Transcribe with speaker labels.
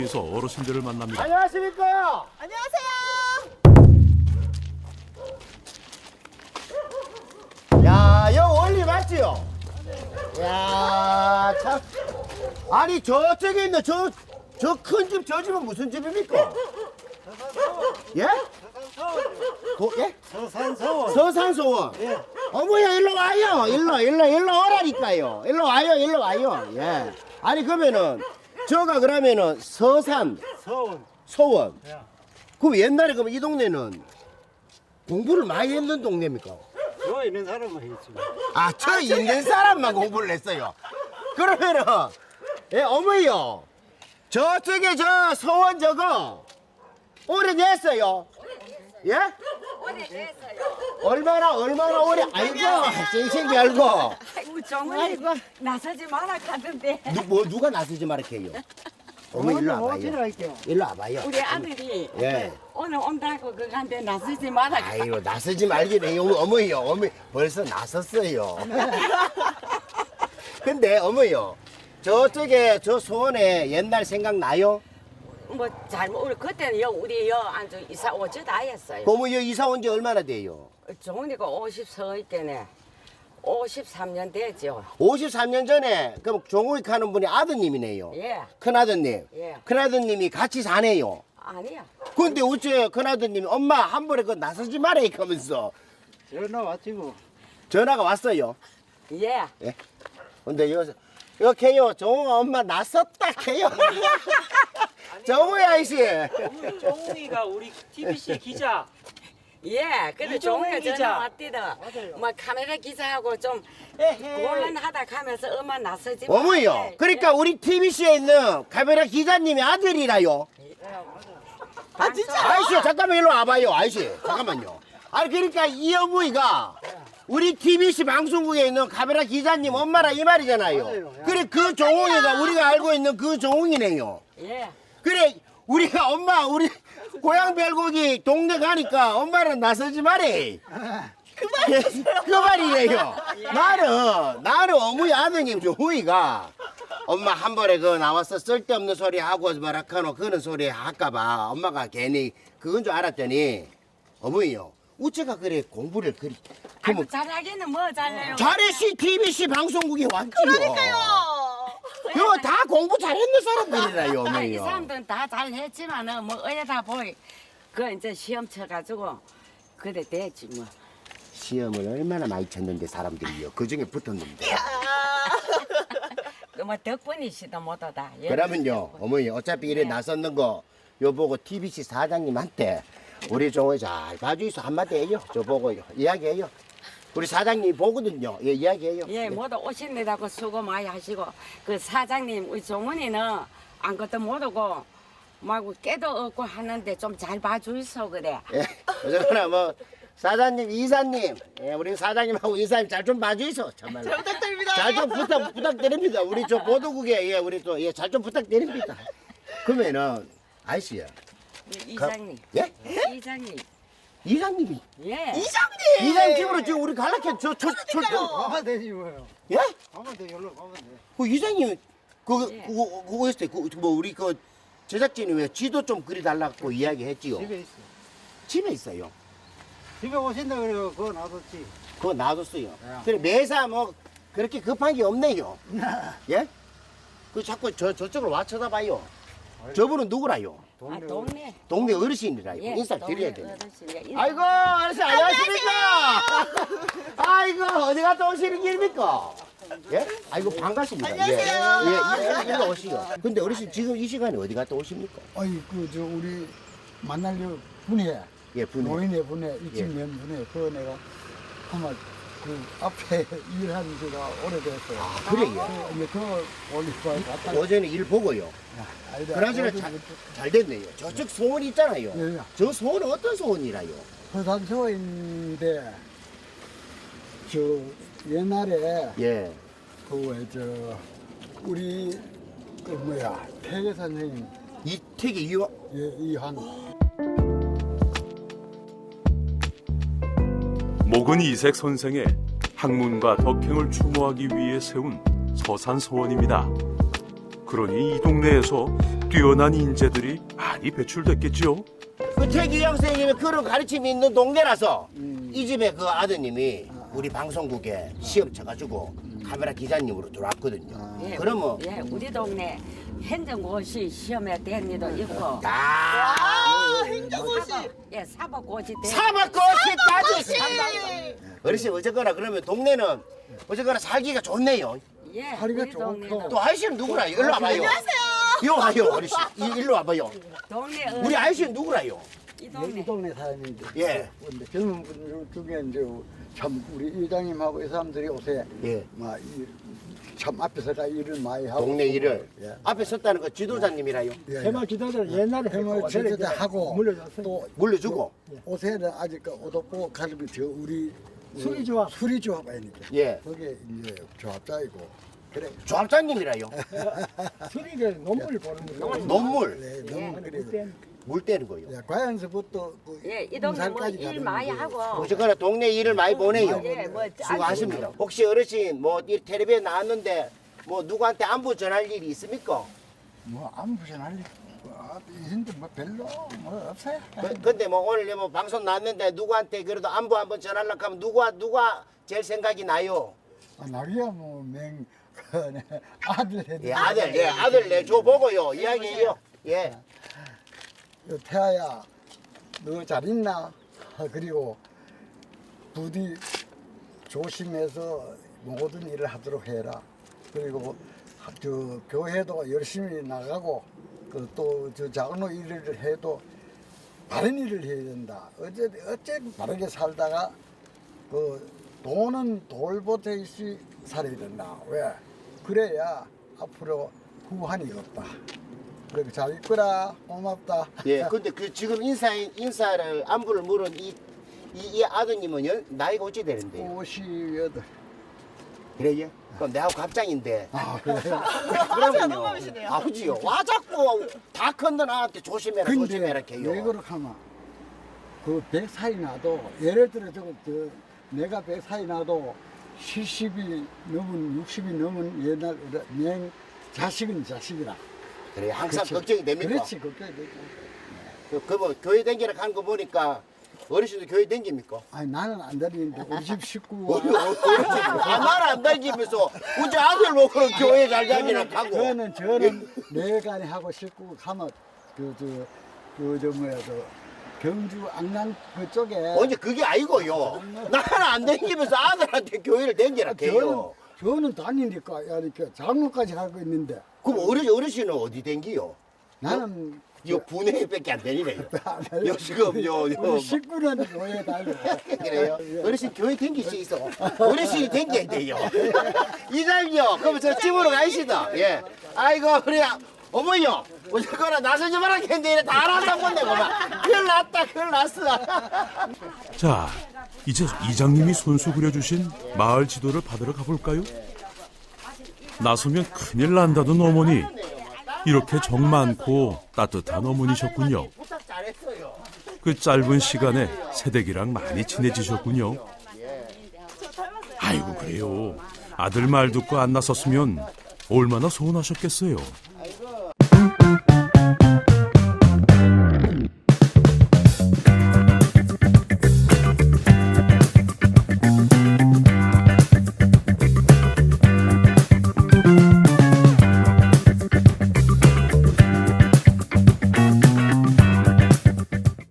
Speaker 1: 에서 어르신들을 만납니다.
Speaker 2: 안녕하십니까?
Speaker 3: 안녕하세요.
Speaker 2: 야, 여 원리 맞지요? 야, 참. 아니, 저쪽에 있는 저 큰 집, 저 집은 무슨 집입니까? 예? 예?
Speaker 4: 서산서원.
Speaker 2: 서산소원.
Speaker 4: 예.
Speaker 2: 어머야, 일로 와요. 일로 오라니까요. 일로 와요. 예. 아니, 그러면은, 저가 그러면은 서산,
Speaker 4: 서원.
Speaker 2: 소원.
Speaker 4: 예.
Speaker 2: 그럼 옛날에 그럼 이 동네는 공부를 많이 했는 동네입니까?
Speaker 4: 저 있는 사람은 했습니다.
Speaker 2: 아, 저 있는 사람만 공부를 했어요. 그러면은, 예, 어머니요. 저쪽에 저 소원 저거 오래됐어요. 예?
Speaker 3: 오래됐어요.
Speaker 2: 얼마나 오래, 아이고, 생생기 알고.
Speaker 3: 아이고 정말 나서지 마라 가던데.
Speaker 2: 누가 나서지 말게요. 어머니 일로 와봐요.
Speaker 4: 할게요.
Speaker 2: 일로 와봐요.
Speaker 3: 우리 아들이
Speaker 2: 예.
Speaker 3: 오늘 온다고 그간데 나서지 마라.
Speaker 2: 아이고, 나서지 말기네. 어머니요. 어머니 벌써 나섰어요. 근데 어머니요. 저쪽에 저 소원에 옛날 생각나요?
Speaker 3: 뭐 잘못 우리 그때는 우리 안주 이사 오지도 않았어요.
Speaker 2: 그러면 여기 이사 온 지 얼마나 돼요?
Speaker 3: 종이가 50서 때네. 53년 되죠.
Speaker 2: 53년 전에 그럼 종우익 하는 분이 아드님이네요.
Speaker 3: 예.
Speaker 2: 큰아드님.
Speaker 3: 예.
Speaker 2: 큰아드님이 같이 사네요.
Speaker 3: 아니야.
Speaker 2: 근데 어째 큰아드님이 엄마 한 번에 그 나서지 마라 이러면서
Speaker 4: 전화 왔지 뭐.
Speaker 2: 전화가 왔어요.
Speaker 3: 예.
Speaker 2: 예. 근데 이렇게요. 종우가 엄마 나섰다 해요. 정우야 아이씨.
Speaker 5: 종웅이가 우리 TBC 기자.
Speaker 3: 예. 그래
Speaker 5: 이종훈
Speaker 3: 종이가
Speaker 5: 기자.
Speaker 3: 전화 왔디다.
Speaker 4: 맞아요.
Speaker 3: 뭐 카메라 기사하고 좀
Speaker 5: 에헤.
Speaker 3: 곤란하다 가면서 엄마 나서지 마라.
Speaker 2: 어머니요. 그러니까 우리 TBC에 있는 카메라 기자님의 아들이라요.
Speaker 3: 아 진짜?
Speaker 2: 아이씨 잠깐만 일로 와봐요. 아이씨 잠깐만요. 아니 그러니까 이 어머니가 우리 TBC 방송국에 있는 카메라 기자님 엄마라 이 말이잖아요.
Speaker 4: 맞아요.
Speaker 2: 그래 그 종웅이가 우리가 알고 있는 그 종웅이네요.
Speaker 3: 예.
Speaker 2: 그래 우리가 엄마 우리 고향 별곡이 동네 가니까 엄마는 나서지 말해. 그 말이래요. 나는 어머니 아드님 종웅이가 엄마 한 번에 그 나와서 쓸데없는 소리 하고 뭐라카노 그런 소리 할까봐 엄마가 괜히 그건 줄 알았더니 어머니요. 우체가 그래 공부를 그리
Speaker 3: 아이고 잘하기는 뭐 잘해요.
Speaker 2: 잘했시 TBC 방송국에 왔지요. 그러니까요. 그거 다 공부 잘했는 사람들이라요,
Speaker 3: 이
Speaker 2: 어머니요.
Speaker 3: 사람들은 다 잘했지만은 뭐 어디다 보이 그 이제 시험 쳐가지고 그래 됐지 뭐.
Speaker 2: 시험을 얼마나 많이 쳤는데 사람들이요. 그 중에 붙었는데.
Speaker 3: 그 뭐 덕분이시다 못하다. 예.
Speaker 2: 그러면요, 어머니 어차피 이래
Speaker 3: 네.
Speaker 2: 나섰는 거 요 보고 TBC 사장님한테 우리 종호 잘 봐주이소 한마디 해요. 저 보고 이야기해요. 우리 사장님 보거든요. 예, 이야기해요.
Speaker 3: 예, 모두 오신다고 수고 많이 하시고 그 사장님 우리 종훈이는 아무것도 모르고 말고 깨도 없고 하는데 좀 잘 봐주이소 그래.
Speaker 2: 예, 어쨌거나 뭐 사장님, 이사님, 예, 우리 사장님하고 이사님 잘 좀 봐주이소. 정말로. 잘 부탁드립니다. 잘 좀 부탁드립니다. 우리 저 보도국에 예, 우리 또 예, 잘 좀 부탁드립니다. 그러면은 아이씨야.
Speaker 3: 이장님.
Speaker 2: 예?
Speaker 3: 이장님.
Speaker 2: 이사님이.
Speaker 3: 예.
Speaker 2: 이사님 집으로 지금 우리 갈라캐
Speaker 4: 가면 되지 뭐요.
Speaker 2: 예?
Speaker 4: 가면 돼. 여기로 가면 돼.
Speaker 2: 그 이사님
Speaker 3: 예.
Speaker 2: 그거 했을 때뭐 우리 그 제작진이 왜 지도 좀 그려달라고 이야기했지요.
Speaker 4: 집에 있어.
Speaker 2: 집에 있어요.
Speaker 4: 집에 오신다 그래요. 그거 놔뒀지.
Speaker 2: 그거 놔뒀어요.
Speaker 4: 야.
Speaker 2: 그래 매사 뭐 그렇게 급한 게 없네요. 예? 그 자꾸 저쪽으로 와 쳐다봐요. 저분은 누구라요?
Speaker 3: 아 동네.
Speaker 2: 동네 어르신이라요.
Speaker 3: 예,
Speaker 2: 인사
Speaker 3: 동네
Speaker 2: 드려야 돼요.
Speaker 3: 어르신이야. 인사.
Speaker 2: 아이고 어르신 안녕하십니까? 아이고 어디 갔다 오시는 길입니까? 예? 아이고 반갑습니다. 안녕하세요. 예, 일로 오시요. 근데 어르신 지금 이 시간에 어디 갔다 오십니까?
Speaker 6: 아이 저 우리 만날려 분해
Speaker 2: 예, 분해.
Speaker 6: 노인의 분해 일찍면 분해 그 내가 아마 그 앞에 일한 지가 오래됐어요.
Speaker 2: 그래요.
Speaker 6: 이제 그 올리브에 갔다.
Speaker 2: 어제는 일 보고요.
Speaker 6: 아이다.
Speaker 2: 그나저나 잘 됐네요. 저쪽 소원 있잖아요.
Speaker 6: 예, 예.
Speaker 2: 저 소원은 어떤 소원이라요?
Speaker 6: 서산서인데 저 옛날에
Speaker 2: 예.
Speaker 6: 그 왜 저 우리 그 뭐야 태계 선생님
Speaker 2: 이택이 이화
Speaker 6: 이한
Speaker 1: 목은 이색 선생의 학문과 덕행을 추모하기 위해 세운 서산소원입니다. 그러니 이 동네에서 뛰어난 인재들이 많이 배출됐겠지요.
Speaker 2: 그 최규영 선생님이 그런 가르침이 있는 동네라서 이 집에 그 아드님이 우리 방송국에 시험 쳐가지고 카메라 기자님으로 들어왔거든요.
Speaker 3: 예,
Speaker 2: 그러면
Speaker 3: 예, 우리 동네 행정고시 시험에 된 일도 있고
Speaker 2: 야
Speaker 7: 행정고시.
Speaker 3: 예, 사법고시 된
Speaker 2: 사법고시까지 어르신 어쨌거나 그러면 동네는 어쨌거나 살기가 좋네요.
Speaker 3: 예,
Speaker 6: 다리가
Speaker 3: 우리
Speaker 6: 좋고.
Speaker 3: 동네는
Speaker 2: 또 아저씨는 누구라? 일로 와봐요.
Speaker 7: 안녕하세요.
Speaker 2: 이리 와요 어르신. 일로 와봐요.
Speaker 3: 동네
Speaker 2: 우리 아저씨는 누구라요?
Speaker 3: 이
Speaker 6: 이
Speaker 3: 동네
Speaker 6: 동네 사람인데.
Speaker 2: 예.
Speaker 6: 근데 젊은 분들 중에 이제 참 우리 이장님하고 이 사람들이 요새
Speaker 2: 예.
Speaker 6: 참 앞에서가 일을 많이 하고
Speaker 2: 동네 일을
Speaker 6: 예.
Speaker 2: 앞에 섰다는 거 지도자님이라요.
Speaker 6: 해마 기도들 옛날에 해마 기도들 하고 또
Speaker 2: 물려주고.
Speaker 6: 요새는 아직 그 오덕보 가르비 저 우리 수리조합 아니까
Speaker 2: 예.
Speaker 6: 거기에 이제 조합자이고 그래
Speaker 2: 조합장님이라요.
Speaker 8: 수리를 논문을 보는 거예요.
Speaker 2: 논물
Speaker 6: 네, 너무 그래
Speaker 2: 물 떼는 거요.
Speaker 6: 야, 과연서부터 그
Speaker 3: 예, 이 동네 뭐
Speaker 6: 인사까지
Speaker 3: 일
Speaker 6: 가는
Speaker 3: 많이
Speaker 6: 게
Speaker 3: 하고
Speaker 2: 어쨌거나 동네 일을 많이 보내요.
Speaker 3: 예, 뭐
Speaker 2: 수고하십니다. 혹시 어르신 뭐 이 텔레비에 나왔는데 뭐 누구한테 안부 전할 일이 있습니까?
Speaker 6: 뭐 아무 부전할 일 있는데 뭐 별로 뭐 없어요.
Speaker 2: 근데 뭐 오늘 뭐 방송 나왔는데 누구한테 그래도 안부 한번 전하려고 하면 누가 제일 생각이 나요?
Speaker 6: 나리야 뭐맹 아들 해도
Speaker 2: 예, 아들 내줘 보고요. 이야기해요. 예.
Speaker 6: 태아야 너 잘 있나? 그리고 부디 조심해서 모든 일을 하도록 해라. 그리고 저 교회도 열심히 나가고 또 저 작은 일을 해도 바른 일을 해야 된다. 어째 바르게 살다가 그 돈은 돌보듯이 살아야 된다. 왜? 그래야 앞으로 후환이 없다. 그래 잘 있거라. 고맙다.
Speaker 2: 예. 근데 그 지금 인사를 안부를 물은 이 아드님은 나이가 어찌 되는데요?
Speaker 6: 58.
Speaker 2: 그래요? 그럼 내하고 갑장인데.
Speaker 6: 아 그래.
Speaker 2: 그러면요.
Speaker 7: 동갑이시네요.
Speaker 2: 아버지요. 와 자꾸 다 큰데 나한테 조심해라 조심해라
Speaker 6: 근데
Speaker 2: 해요.
Speaker 6: 왜 그렇게 하면 그 100살이 나도 예를 들어 내가 100살이 나도 70이 넘은 60이 넘은 옛날 내 자식은 자식이라.
Speaker 2: 그래 항상
Speaker 6: 그렇지.
Speaker 2: 걱정이 됩니까?
Speaker 6: 그렇지 걱정이 되죠.
Speaker 2: 그뭐 교회 댕기러 가는 거 보니까 어르신도 교회 댕깁니까?
Speaker 6: 아니 나는 안 다니는데 우리 집 식구
Speaker 2: 나는 안 다니면서 우리 아들 놓고 교회 잘 다니라 하고.
Speaker 6: 저는 내가 하고 식구 가면 경주 안양 그쪽에
Speaker 2: 언제 그게 아니고요. 나는 안 댕기면서 아들한테 교회를 댕기라 해요.
Speaker 6: 저는 다니니까 이렇게 장로까지 하고 있는데
Speaker 2: 그럼 어르신은 어디 댕기요?
Speaker 6: 나는
Speaker 2: 요 분회밖에 안 되니래요. 요 지금 요
Speaker 6: 우리 식구는 교회 다니고
Speaker 2: 그래요. 어르신 교회 댕길 수 있어. 어르신이 댕겨야 돼요. 이장요. 그럼 저 집으로 가시다. 예. 아이고 우리 어머니요. 어쨌거나 나서지 마라 했는데 다 알아서 본데 그만. 큰일 났다 큰일 났어.
Speaker 1: 자, 이제 이장님이 손수 그려주신 마을 지도를 받으러 가볼까요? 나서면 큰일 난다던 어머니. 이렇게 정 많고 따뜻한 어머니셨군요.
Speaker 2: 부탁 잘했어요.
Speaker 1: 그 짧은 시간에 새댁이랑 많이 친해지셨군요. 아이고 그래요. 아들 말 듣고 안 나섰으면 얼마나 서운하셨겠어요.